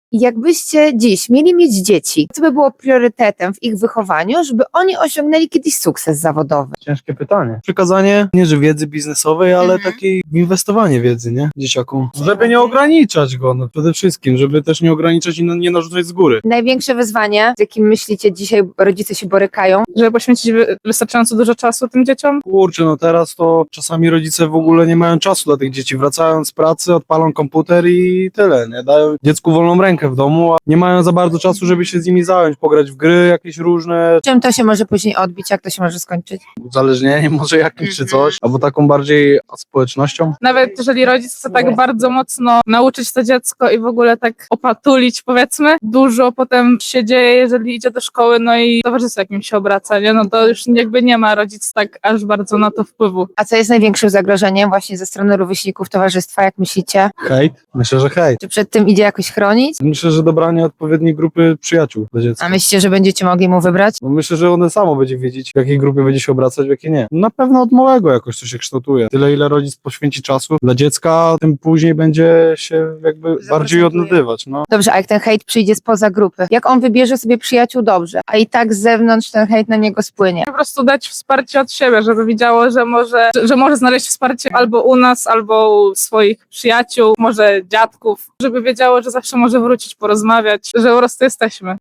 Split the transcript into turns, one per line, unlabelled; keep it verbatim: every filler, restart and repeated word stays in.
Jakbyście dziś mieli mieć dzieci, co by było priorytetem w ich wychowaniu, żeby oni osiągnęli kiedyś sukces zawodowy?
Ciężkie pytanie. Przekazanie nie, że wiedzy biznesowej, ale
Mhm.
takiej inwestowanie wiedzy, nie? Dzieciakom. Żeby nie ograniczać go, no przede wszystkim, żeby też nie ograniczać i nie narzucać z góry.
Największe wyzwanie, z jakim myślicie dzisiaj rodzice się borykają?
Żeby poświęcić wy- wystarczająco dużo czasu tym dzieciom.
Kurczę, no teraz to czasami rodzice w ogóle nie mają czasu dla tych dzieci. Wracają z pracy, odpalą komputer i tyle, nie? Dają dziecku wolną rękę w domu, a nie mają za bardzo czasu, żeby się z nimi zająć, pograć w gry jakieś różne,
Czym to się może później odbić? Jak to się może skończyć?
uzależnieniem może jakimś czy
Mhm.
coś, albo taką bardziej społecznością.
Nawet jeżeli rodzic chce tak bardzo mocno nauczyć to dziecko i w ogóle tak opatulić, powiedzmy, dużo potem się dzieje, jeżeli idzie do szkoły, no i towarzystwo jakim się obraca, nie? No to już jakby nie ma rodzic tak aż bardzo na to wpływu.
A co jest największym zagrożeniem właśnie ze strony rówieśników towarzystwa, jak myślicie?
Hejt? Myślę, że hejt.
Czy przed tym idzie jakoś chronić?
Myślę, że dobranie odpowiedniej grupy przyjaciół dla dziecka.
A myślicie, że będziecie mogli mu wybrać?
No myślę, że one samo będzie wiedzieć, w jakiej grupie będzie się obracać, w jakiej nie. Na pewno od małego jakoś to się kształtuje. Tyle, ile rodzic poświęci czasu dla dziecka, tym później będzie się jakby bardziej odnajdywać. No.
Dobrze, a jak ten hejt przyjdzie spoza grupy? Jak on wybierze sobie przyjaciół dobrze, a i tak z zewnątrz ten hejt na niego spłynie?
Po prostu dać wsparcie od siebie, żeby widziało, że może, że, że może znaleźć wsparcie albo u nas, albo u swoich przyjaciół, może dziadków, żeby wiedziało, że zawsze może wrócić, porozmawiać, że po prostu jesteśmy.